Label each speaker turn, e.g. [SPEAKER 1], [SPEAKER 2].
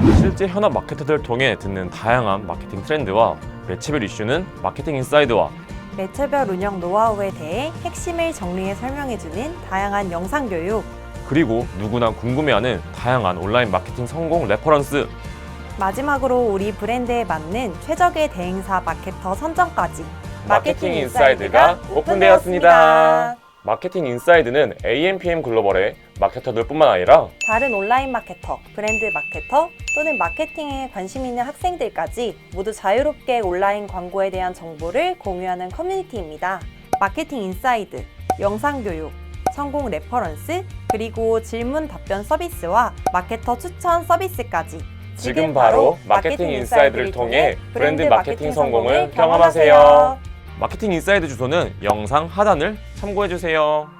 [SPEAKER 1] 실제 현업 마케터들을 통해 듣는 다양한 마케팅 트렌드와 매체별 이슈는 마케팅 인사이드와
[SPEAKER 2] 매체별 운영 노하우에 대해 핵심을 정리해 설명해주는 다양한 영상 교육.
[SPEAKER 1] 그리고 누구나 궁금해하는 다양한 온라인 마케팅 성공 레퍼런스.
[SPEAKER 2] 마지막으로 우리 브랜드에 맞는 최적의 대행사 마케터 선정까지.
[SPEAKER 1] 마케팅 인사이드가 오픈되었습니다. 마케팅 인사이드는 AMPM 글로벌의 마케터들뿐만 아니라
[SPEAKER 2] 다른 온라인 마케터, 브랜드 마케터 또는 마케팅에 관심 있는 학생들까지 모두 자유롭게 온라인 광고에 대한 정보를 공유하는 커뮤니티입니다. 마케팅 인사이드, 영상 교육, 성공 레퍼런스, 그리고 질문 답변 서비스와 마케터 추천 서비스까지
[SPEAKER 1] 지금 바로 마케팅 인사이드를 통해 브랜드 마케팅 성공을 경험하세요. 마케팅 인사이드 주소는 영상 하단을 참고해주세요.